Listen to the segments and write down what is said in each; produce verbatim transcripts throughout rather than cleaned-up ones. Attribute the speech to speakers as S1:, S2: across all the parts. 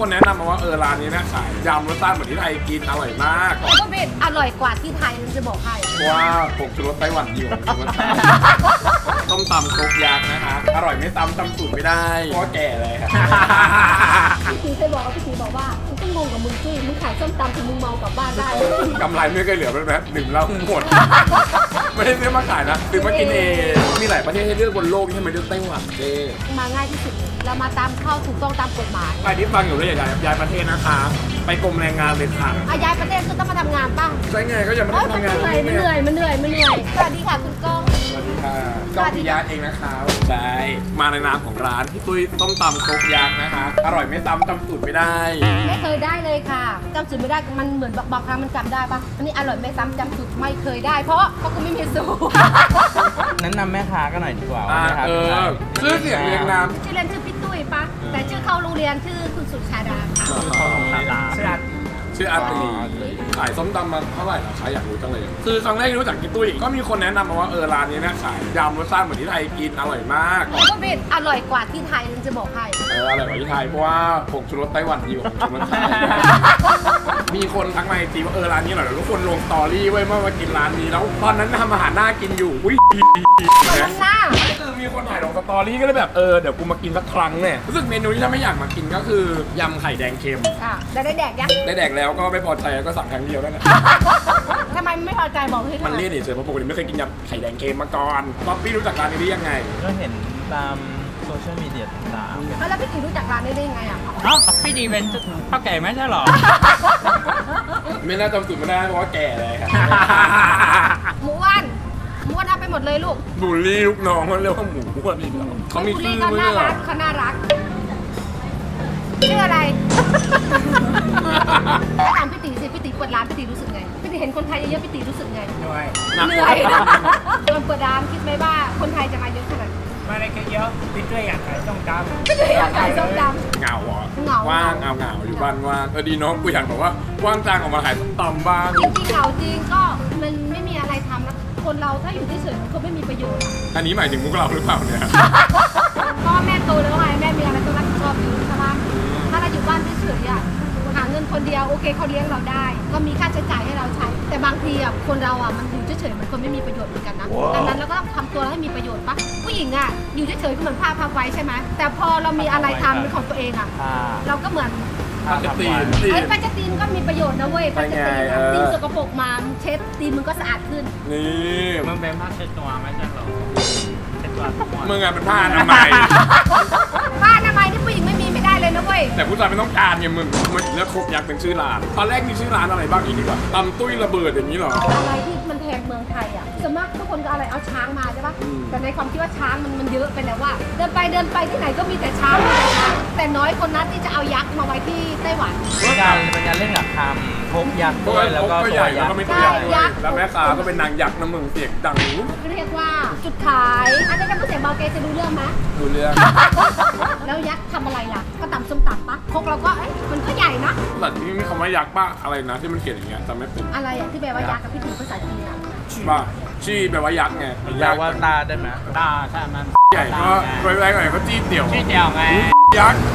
S1: คนแนะนำมาว่าเออร้านนี้นะขายยำรสชาติเหมือนที่ไทยกินอร่อยมาก
S2: ก็เป็นอร่อยกว่าที่ไทยจะบอกให้
S1: เพราะว่าผงชูรสไต้หวันอยู่ต้มตำครกยักษ์นะคะอร่อยไม่ซ้ำจำสูตรไม่ได้เพราะว่าแก่เลยครับ
S2: พี่ตีเคยบอกว่าพี่ตีบอกว่ามึงต้องงงกับมึงจุ้ยมึงขายส้มตำถึงมึงเมากลับบ้านได้
S1: กำไรไม่เคยเหลือเลยนะดื่มเหล้าหมด ไม่ได้ซื้อมาขายนะซื้อมากินเองมีหลายประเทศให้เลือกบนโลกที่ทำไมเลือกไต้หวันเจ้
S2: มาง่ายที่สุดเรามาตามเข้าถูกต้องตามกฎหมาย
S1: ใครที่ฟังอยู่แล้วอยากย้ายประเทศนะคะ ไปกรมแรงงานเลยค่ะ
S2: อาย้ายประเทศก็ต้องมาทำงานป่ะ
S1: ใช่ไงก็ยังไม่
S2: เอ้
S1: ได้
S2: ยมัน
S1: ทำงาน
S2: เหนื่อยมันเหนื่อยมันเหนื่อยมันเหนื่อยสวัสดีค่ะคุณก้อง
S1: สวัสดีค่ะก้องพิยาเองนะคะใช่มาในนามของร้านพี่ตุ้ยต้มตำครกยักษ์นะคะ อร่อยไม่ซ้ำจำสูตรไม่ได้
S2: ไม่เคยได้เลยค่ะจำสูตรไม่ได้มันเหมือนบางครั้งมันจำได้ป่ะอันนี้อร่อยไม่ซ้ำจำสูตรไม่เคยได้ เพราะเพราะกูไม่มีสูตร
S3: แนะนำแม่ค้าก็หน่อยดีกว่า
S1: อ่า
S3: ว่าแม่ค้า
S1: เอ
S3: เป็นใคร
S1: อชื่อเสียงเรียงนาม
S2: ชื่อเล่นชื่อพี่ตุ้ยปะแต่ชื่อเข้าโรงเรียนชื่อคุณสุชาดาค่ะ
S1: ชื่ออาตีขายส้มตำมาเท่าไหร่ล่ะคะอยากรู้จังเลย คือครั้งแรกที่รู้จักพี่ตุ้ยก็มีคนแนะนำมาว่าเออร้านนี้นะขายยำรสชาติเหมือนที่ไทยกินอร่อยมาก
S2: ก็เป็นอร่อยกว่าที่ไทยจะบอกให้
S1: เอออร่อยกว่าที่ไทยเพราะว่าผงชูรสไต้หวันอยู่ผงชูรสไทย มีคนทักมาไอจีว่าเออร้านนี้อร่อยแล้วทุกคนลงสตอรี่ไว้เมื่อมากินร้านนี้แล้วตอนนั้นทำอาหารน่ากินอยู่อุ้ย
S2: นั่นน่ะ
S1: คือมีคนถ่ายลงสตอรี่ก็เลยแบบเออเดี๋ยวกูมากินสักครั้งเนี่ยรู้สึกเมนูที่ถ้าไม่อยากมากินก็คือยำไข่แดงเค็ม
S2: อ่ะได้ได้แดกยัง
S1: ได้แดกแล้วก็ไม่พอใจก็สั่งครั้งเดียวนั่นแหละ
S2: ทำไมไม่พอใจบอกพี่
S1: มันเลี่ยนเฉยๆเพราะปกติไม่เคยกินยำไข่แดงเค็มมาก่อนป๊อปปี้รู้จักร้านนี้ได้ยังไง
S3: ก็เห็นตามโซเชียลมีเดียต่าง
S2: แล้วพี่ตีรู้จักร้านนี้ได้ยังไงอ่ะ
S4: เอ้าพี่ดีเป็นพ่อแก่ไม่ใช่หรอ
S1: ไม่น่าจำสูตรไม่ได้เพราะว่าแก่เลยครับ
S2: หมูอ้วนหมูอ้วนเอาไปหมดเลยลูก
S1: บูลลี่ลูกน้องเขาเรียกว่าหมูอ้วนอีกแล้วเขามี
S2: บุ
S1: ชื่
S2: รี
S1: อ
S2: เขา
S1: ไหม
S2: น่า
S1: เนี่ย
S2: รักเขาน่ารักชื่ออะไรถามพี่ตีสิพี่ตีเปิดร้านพี่ตีรู้สึกไงพี่ตีเห็นคนไทยเยอะๆพี่ตีรู้สึกไง
S4: เหนื่อย
S2: เหนื่อยตอนเปิดร้านคิดไหมว่าคนไทยจะมาเยอะขนาดนี้
S4: ไม่ได้แค่เยอะพี่ด้วยอยากขายต้องจำ
S2: พี่ตีอยากขายส้มต
S1: เหงาเหรอ
S2: เหงา
S1: ว่างเอาเหงาอยู่บ้านว่างเออดีเน้องกูอยากแบบว่าว่างจ้างออกมาขายส้มตำบ้าง
S2: ำจริงๆเหงาจริงก็มันไม่มีอะไรทำนะคนเราถ้าอยู่เฉยๆมันก็ไม่มีประโยชน์อะ
S1: อันนี้หมายถึงพวกเราหรือเปล่าเนี่ย
S2: พ่อแม่โตแล้วไงแม่มีอะไรต้องรับผิดชอบอยู่ใช่ปะถ้าเราอยู่บ้านเฉยๆอ่ะหาเงินคนเดียวโอเคเขาเลี้ยงเราได้ ก็มีค่าใช้จ่ายให้เราใช้ แต่บางทีอ่ะคนเราอ่ะมันอยู่เฉยๆมันก็ไม่มีประโยชน์เหมือนกันนะดังนั้นเราก็ต้องทำตัวให้มีประโยชน์ปะผู้หญิงอ่ะอยู่เฉยๆก็เหมือนผ้าพับไว้ใช่ไหมแต่พอเรามีอะไรทำเป็นของตัวเองอ่ะ
S3: ๆผ้า
S2: เราก็เหมือน
S1: ปกติตี
S2: ไอ้ปัจจตีนก็มีประโยชน์นะเว้ยปัจจตีน
S1: ไปไง
S2: อะ
S1: เออ
S2: ตีนสกปรกมาเช็ดตีนมึงก็สะอาดขึ้น
S1: นี่
S4: มึงเป็นผ้าเช็ดตัวไม่ใช่หรอเช็ดตัวทุกวัน
S1: มึงอะเป็นผ้าอนามัย
S2: ผ้าอนามัยนี่ผู้หญิงไม่มีไม่ได้เลยนะเว้ย
S1: แต่ผู้ชายไม่ต้องการไงมึงมันเลือกครบยักษ์เป็นชื่อร้านตอนแรกมีชื่อร้านอะไรบ้างอีกดีกว่าตำตุ้ยระเบิดอย่างนี้เหรอ
S2: อะไรที่มันแพงเมืองไทยอ่ะส่วนมากทุกคนก็อะไรเอาช้างมาใช่ปะ
S1: อืม
S2: แต่ในความคิดว่าช้างมันมันเยอะไปแล้วว่า เดินไปเดินไปที่ไหนก็มีแต่ช้างมีแต่ช้างแต่น้อยคนนั้นที่จะเอายักษ์มาไว้ที่ไต้หวัน
S3: เป็นการเป็นการเล่นกับคำพกยักษ์ด้วยแล้วก็
S1: ก็
S3: ตั
S1: ให
S3: ว
S1: ญ่แล้
S3: ยั
S1: ว
S3: ก
S1: ก็
S3: ษ์
S1: ไม่ตัวใหญ่ด้วยแล้วแม่ค้าก็เป็นนางยักษ์นะมึงเสียงดัง
S2: เรียกว่าจุดขาย อันนี้จะพูดเสียงเบาเกจะรู้เรื่องไหม
S1: ดูเรื่อง
S2: แล้วยักษ์ทำอะไรล่ะ ก็ตำส้มตำปะพกเราก็เอ๊ะมันก็ใหญ่นะ
S1: แต่ที่มีคำว่ายักษ์ป้าอะไรนะที่มันเขียนอย่างเงี้ยจำไม่เป็น
S2: อะไรอ่ะที่แปลว่ายักษ์กับพี่ตีภาษาจีนอ่ะ
S1: ป้าชี้แปลว่ายักษ์ไง
S3: ยาวว่าตาได้ไหม
S4: ตาใช่มัน
S1: ใหญ่ก็ไว้ๆหน่อยก็จี้เดี่ยว
S4: ชื่อเดียวไง
S1: ยักษ์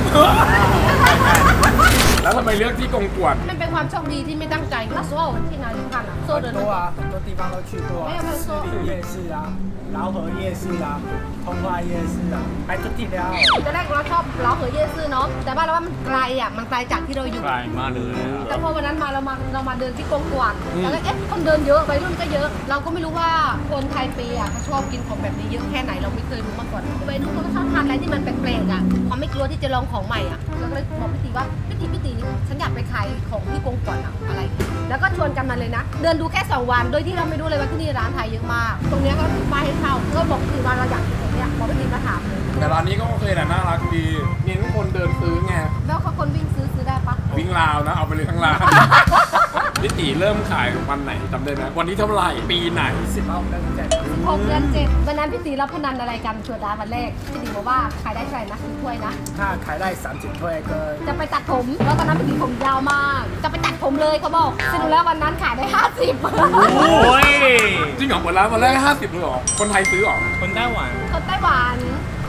S1: แล้วทำไมเลือกที่กงกวด
S2: มันเป็นความโชคดีที่ไม่ตั้งใจ那时候我去哪里看啊โซ่เดิน
S5: 很多啊，很多地方都去过啊
S2: 没有没有，说
S5: 士林夜市啊，饶河夜市啊，通化夜市啊，ไปทุกที่แล้ว
S2: ตอนแรกเราชอบเราเหอเยซื่อเนาะแต่ว่าเราว่ามันไกลอ่ะมันไกลจากที่เราอยู่
S4: ไกลมากเลย
S2: แต่พอวันนั้นมาเรามาเรามาเดินที่กงกวางแล้วก็เอ๊ะคนเดินเยอะวัยรุ่นก็เยอะ เราก็ไม่รู้ว่าคนไทยเปอ่ะเขาชอบกินของแบบนี้เยอะแค่ไหนเราไม่เคยรู้มาก่อนวัยรุ่นเขาก็ชอบทานอะไรที่มันแปลกๆอ่ะเขาไม่กลัวที่จะลองของใหม่อ่ะเราก็เลยบอกพี่ตีว่าพี่ตีพี่ตีฉันอยากไปขายของที่กงกวางอะอะไร แล้วก็ชวนกันมาเลยนะ เดินดูแค่สองวันโดยที่เราไม่รู้เลยว่าที่นี่ร้านไทยเยอะมาก ตรงเนี้ยก็มาให้เช่าก็บอกพี่ตีว่าเราอยากกินตรงเนี้ยบอกพี่ตีมาถามเลย
S1: แต่ร้านนี้ก็โอเคแหละน่ารักดีเน้นคนเดินซื้อไง
S2: แล้วเขาคนวิ่งซื้อซื้อได้ปะ
S1: วิ่งราวนะเอาไปเลยทั้งร้าน พี่ตีเริ่มขายวันไหนจำได้ไหมวันที่เท่าไหร่ปีไหน
S5: สิบเอาเดินแจก
S2: สิบหกเดือนเจ็ดวันนั้นพี่ตีรับพนันอะไรกันเปิดร้านวันแรกพี่ตีบอกว่าขายได้เท่าไหร่นะสิบถ้วยนะ
S5: ถ้าขายได้สามสิบถ้วยก็
S2: จะไปตัดผมแล้วตอนนั้นพี่ตีผมยาวมาก จะไปตัดผมเลยเขาบอกสรุปแล้ววันนั้นขายได้ห้าสิบ
S4: โอ้ย
S1: จริงเหรอเปิดร้านวันแรกห้าสิบเลยเหรอคนไทยซื้อเหรอ
S4: คนไต้หวัน
S2: คนไต้หวันแล้ว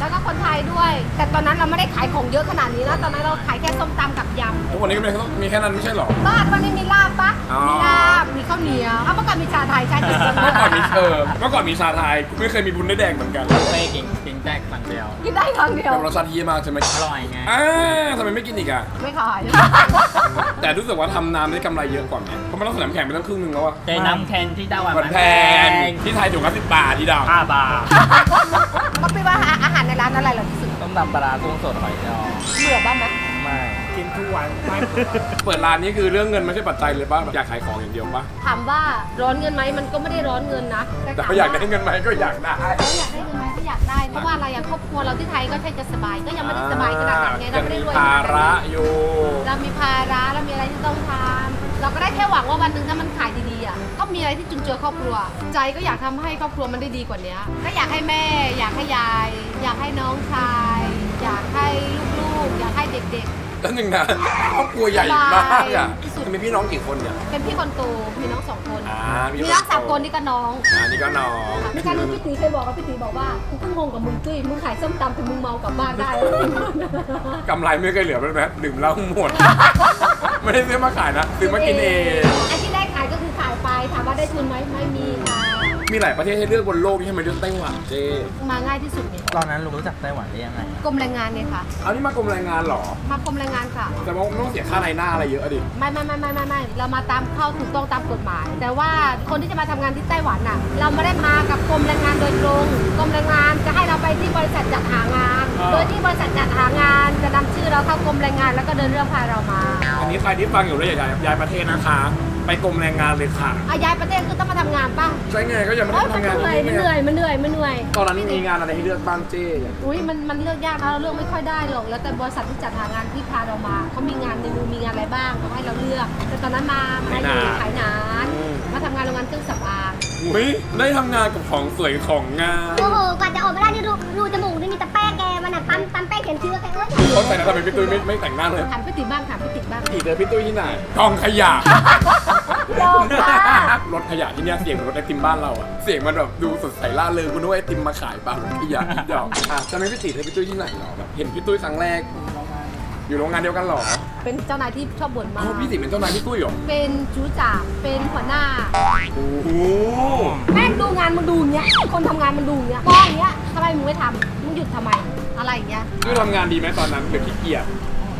S2: แล้วก็คนไทยด้วย แต่ตอนนั้นเราไม่ได้ขายของเยอะขนาดนี้นะตอนนั้นเราขายแค่ส้มตำกับยำ
S1: ทุกวันนี้ก็มีแค่นั้นไม่ใช่หรอ
S2: บ้านวันนี้มีลาบปะ
S1: อ๋อ
S2: มีลาบมีข้าวเหนียวเอาเมื่อก่อนมีชาไทยใช่ไหม
S1: เมื่อก่อนมีเออเมื่อก่อนมีชาไทยไม่เคยมีบุญได้แดงเหมือนกัน
S4: เป้กินกินแจกฝั่งเดียว
S2: กินได้ครั้งเดียว
S1: แต่รสชาติเยี่ยมมากใช่ไหม
S4: อร่อยไง
S1: อ่าทำไมไม่กินอีกอ่ะ
S2: ไม่ขาย
S1: แต่รู้สึกว่าทำน้ำได้กำไรเยอะกว่าไหมเพราะมันต้องใส่น้ำแข็งไปตั้งครึ่งนึงแล้วอะ
S4: เจน้ำแคนที่ไต้หวัน
S1: มันแพงที่ไทยถูกละสิบบาทที่ดาว
S4: ห้าบาท
S2: ก็พี่ว่าอาหารในร้านอะไรเหราที่สุด
S3: ต้มตำปลาร้ากุ้งสดหอยจอ
S2: เบื่อบ้างไหม
S3: ไม่
S5: กินทุกวันไม่เบื่อ
S1: เปิดร้านนี้คือเรื่องเงินไม่ใช่ปัจจัยเลยป่ะอยากขายของอย่างเดียวป่ะ
S2: ถามว่าร้อนเงินไหมมันก็ไม่ได้ร้อนเงินนะ
S1: แต่
S2: ถาม
S1: ก็อยากได้เงินไหมก็อยากได้
S2: เขาอยากได้เงินไหมก็อยากได้เพราะว่าอะไรอย่างครอบครัวเราที่ไทยก็ใช่จะสบายก็ยังไม่ได้สบายขนาดนั้นไงเราไม่ได้รวย
S1: ภา
S2: ขนาด
S1: ระ
S2: นั้น
S1: อยู่
S2: เรามีภาระเรามีอะไรที่ต้องทำเราก็ได้แค่หวังว่าวันหนึ่งถ้ามันขายดีๆอ่ะก็มีอะไรที่จุนเจือครอบครัว ใจก็อยากทำให้ครอบครัวมันได้ดีกว่านี้ก็อยากให้แม่ อยากให้ยาย อยากให้น้องชาย อยากให้ลูกๆ อยากให้เด็ก
S1: แล้วหนึ่งนะครอบครัวใหญ่มากอ่ะ
S2: ที่สุด
S1: มีพี่น้องกี่คนเนี่ย
S2: ๆ เป็นพี่คนโตมีน้องสองคน
S1: อ่ามี
S2: มีน้องสามคนนี่ก็น้อง
S1: อ่านี่ก็น้อง
S2: มีการที่พี่ตีเคยบอกกับพี่ตีบอกว่ากูก็งงกับมึงตุ้ยมึงขายส้มตำแต่มึงเมากลับบ้านได้
S1: กำไรไม่เคยเหลือเลยไหมดื่มเหล้าหมด ไม่ได้ซื้อมาขายนะซื้อมากินเอง
S2: ไอ้ที่ได้ขายก็คือขายไปถามว่าได้ทุนไหมไม่มีค่ะ
S1: มีหลายประเทศให้เลือกบนโลกที่ทำไมเลือกไต้หวันเจ๊
S2: มาง่ายที่สุดไง
S3: ตอนนั้นลุงรู้จักไต้หวันได้ยังไง
S2: กรมแรงงานไงคะ
S1: เอานี่มากรมแรงงานเหรอ
S2: มากรมแรงงานค่ะ
S1: แต่ว่าไม่ต้องเสียค่าในหน้าอะไรเยอะอะดิ
S2: ไม่ไม่ไม่ไม่ไม่ไม่เรามาตามเข้าถูกต้องตามกฎหมาย แต่ว่าคนที่จะมาทำงานที่ไต้หวันน่ะ เราไม่ได้มากับกรมแรงงานโดยตรงกรมแรงงานจะให้เราไปที่บริษัทจัดหางาน โดยที่บริษัทจัดหางาน จะนำชื่อเราเข้ากรมแรงงานแล้วก็เดินเรื่องพาเรามา
S1: อันนี้ใครที่ฟังอยู่แล้วอยากย้ายประเทศนะคะ ไปกรมแรงงานเลยค่ะ
S2: อาย้ายประเทศคือต้องมาทำงานป่ะ
S1: ใช่ไงก็ยังไม่
S2: โอ๊
S1: ได้
S2: ยมัน
S1: ทำงาน
S2: เหนื่อยมันเหนื่อยมันเหนื่อยมันเหนื่อย
S1: ตอนนั้นมีงานอะไรให้เลือกบ้างเจ๊
S2: อุ้ยมันมันเลือกยากนะเราเลือกไม่ค่อยได้หรอกแล้วแต่บริษัทที่จัดหางานที่พาเรามาเขามีงานในมือมีงานอะไรบ้างเขาให้เราเลือก แต่ตอนนั้นมามาอยู่ขายหนานมาทำงานโรงงานเครื่องสำอาง
S1: อุ้ยได้ทำงานกับของสวยของงาม
S6: โอ้โห กว่าจะออกมาได้นี่รูรูจมูกนี่มีแต่แป้งแกมันอ่ะปั๊มปั๊มแป้งเขียนชื่อแกเอ้ย
S1: เขาแต่งนะทำไมพี่ตุ้ยไม่ไม่แต่งหน้าเลย
S2: ถามพี่ติ๋บ้างถามพี่ติ๋บ้าง
S1: อีกเลยพี่ตุ้ยที่ไหนกองขยะ
S2: ยอมค่ะ
S1: รถขยะที่เนี่ยเสียงเหมือนรถไอติมบ้านเราอะเสียงมันแบบดูสดใสล่าเริงคุณนึกว่าไอติมมาขายเปล่ารถขยะเดี๋ยวอ่ะจะไม่พี่ติเลยพี่ตุ้ยที่ไหนหรอแบบเห็นพี่ตุ้ยครั้งแรก อยู่โรงงานเดียวกันหรอ
S2: เป็นเจ้านายที่ชอบบ่นมา
S1: อ๋อก พี่ติเป็นเจ้านายพี่ตุ้ยเหรอ
S2: เป็นจูจ่าเป็นหัวหน้า
S1: โอ้โห
S2: แม่งดูงานมึงดูอย่างเงี้ยคนทำงานมันดูอย่างเงี้ยมองอย่างเงี้ยทำไมมึงไม่ทำมึงหยุดทำไมอะไรอย่างเงี้ย
S1: ตุ้ยทำงานดีไหมตอนนั้นหรือขี้เกียจ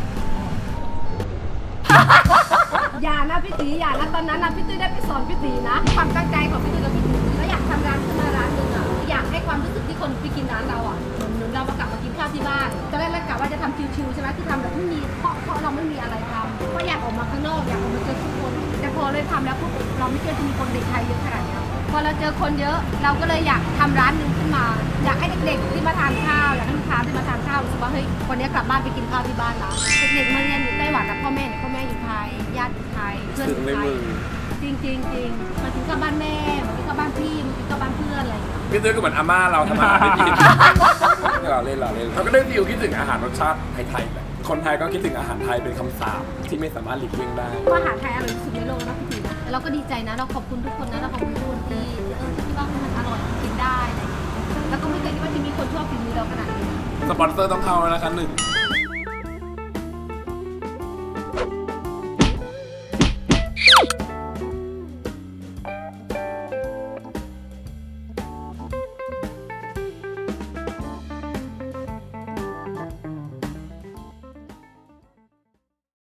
S2: อย่านะพี่ตีอย่านะตอนนั้นนะพี่ตุ้ยได้ไปสอนพี่ตีนะความตั้งใจของพี่ตุ้ยกับพี่ตีแล้วอยากทำร้านขึ้นมาร้านหนึงอ่ะอยากให้ความรู้สึกที่คนไปกินร้านเราอ่ะเหมือนเหมือนเรามากลับมากินข้าวที่บ้านตอนแรกเรากะว่าจะทำชิวๆใช่ไหมคือทำแบบไม่มีเพราะเพราะเราไม่มีอะไรทำก็อยากออกมาข้างนอกอยากออกมาเจอผู้คนแต่พอเลยทำแล้วปุ๊บเราไม่เคยจะมีคนเด็กไทยเยอะขนาดนี้พอเราเจอคนเยอะเราก็เลยอยากทำร้านหนึ่งขึ้นมา อยากให้เด็กๆที่มาทานข้าวอยากให้ลูกค้าที่มาทานข้าวรู้สึกว่าเฮ้ยวันนี้กลับบ้านไปกินข้าวที่บ้านแล้วเด็กๆมาเรียนอยู่ไต้หวันนะพ่อแม่เนี่ยพ่อแม่อยู่ไทยญาติอยู่ไทยเพื่อนอ
S1: ถึง
S2: ยู่
S1: ใน
S2: ไท
S1: มื
S2: ย
S1: อ
S2: จริงจริงจริงมาถึงกับบ้านแม่มาถึงกับบ้านพี่มาถึงกับบ้านเพื่อนอะไรอย่างเงี้ย
S1: พี่ตุ้ยก็เหมือนอาม่าเราทำอาหารไม่กิน เราเล่นเราเล่นเราก็ได้ฟิลคิดถึงอาหารรสชาติไทยๆแบบคนไทยก็คิดถึงอาหารไทยเป็นคำสาปที่ไม่สามารถหลีกเลี่ยงได้
S2: อาหารไทยอร่อยที่สุดในโลกนะพี่ตีนะเราก็ดีใจนะเราขอบคุณทุกคนนะเราขอบคุณทุกคนที่เออที่ว่ามันอร่อยกินได้อะไรอย่างเงี้ยแล้วก็ไม่เคยคิดว่าจะมีคนชอบฝีมือเราขนาดนี้
S1: สปอนเซอร์ต้องเข้าแล้วนะคะหนึ่ง